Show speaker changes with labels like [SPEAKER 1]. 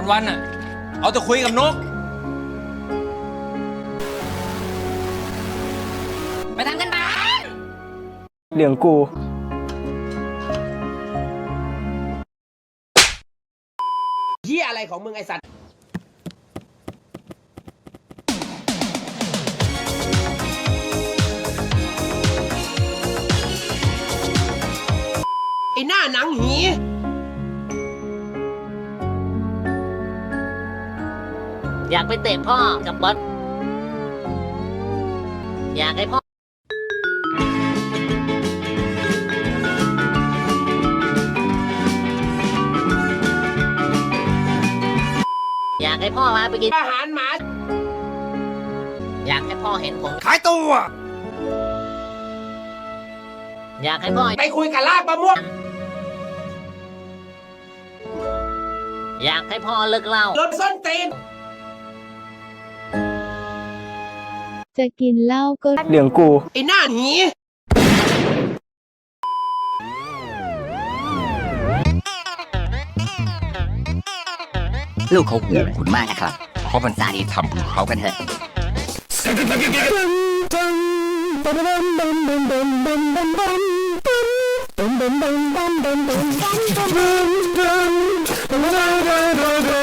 [SPEAKER 1] วันๆอ่ะ เอาแต่คุยกับนก
[SPEAKER 2] ไปทำกันบ้าน
[SPEAKER 3] เหลืองกู
[SPEAKER 4] เหี้ยอะไรของมึงไอสัตว์ไอหน้าหนังหี
[SPEAKER 2] อยากไปเตะพ่อกับบอสอยากให้พ่ออยากให้พ่อพาไปกิน
[SPEAKER 4] อาหารหมา
[SPEAKER 2] อยากให้พ่อเห็นผม
[SPEAKER 4] ขายตัว
[SPEAKER 2] อยากให้พ่อ
[SPEAKER 4] ไปคุยกับลากมะม่วง
[SPEAKER 2] อยากให้พ่อเลิกเหล้า
[SPEAKER 4] รถส้นตีน
[SPEAKER 5] จะกินเหล้าก็
[SPEAKER 3] เหลืองกู
[SPEAKER 4] ไอหน้าหี
[SPEAKER 6] ลูกเขาห่วงคุณมากนะครับ เพราะมันสาดีทำของเขากันเถอะ
[SPEAKER 3] Dum